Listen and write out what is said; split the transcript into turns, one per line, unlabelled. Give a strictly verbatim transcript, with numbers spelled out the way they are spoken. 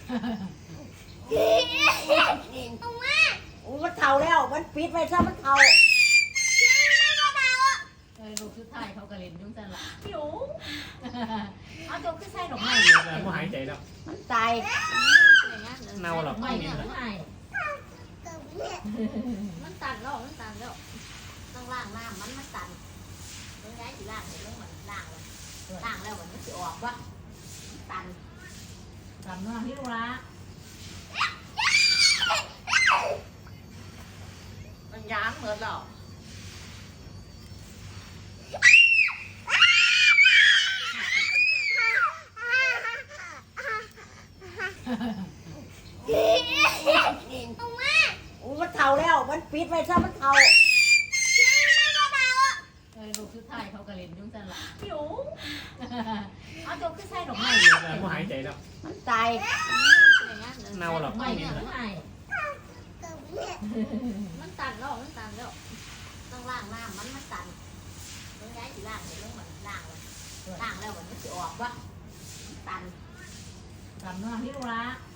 เอามาอุ้ยมันเท่าแล้วมันปิดไว้ซะมันเท่า
เออลูกชุดไทยเขากระเล่นยุ่งจังละหิวเอาจบคือใส่ดอกไม้
แต่ไม่หายใจแล้ว
มันตาย
เน่าหรอก
ไม่เนี่ยไม้
มันตันแล้วมันตันแล้วต้องล่างน้ำมันมันตันต้องย้ายสิล่างเลยต้องเหมือนล่างเลยล่างแล้วมันมันจะออกวะตัน
จำน้องพี่ลูกละ
มันย้างเหมือนหรอ
เอามาอุ้ยมันเท่าแล้วมันปิดไว้ซะมันเท่า
เออลูกชุดไทยเขากระเล่นยุ่งจังละหิวเอาจบคือใส่ดอกไม้
แต่ไม่หายใจแล้ว
มันตาย
เน่าหรอก
ไม่เนี่ยไม้
มันตันแล้วมันตันแล้วต้องล่างน้ำมันมันตันต้องย้ายสิล่างเลยต้องเหมือนล่างเลยล่างแล้วมันจะออกวะตัน
จำน้องพี่ลูกละ
ม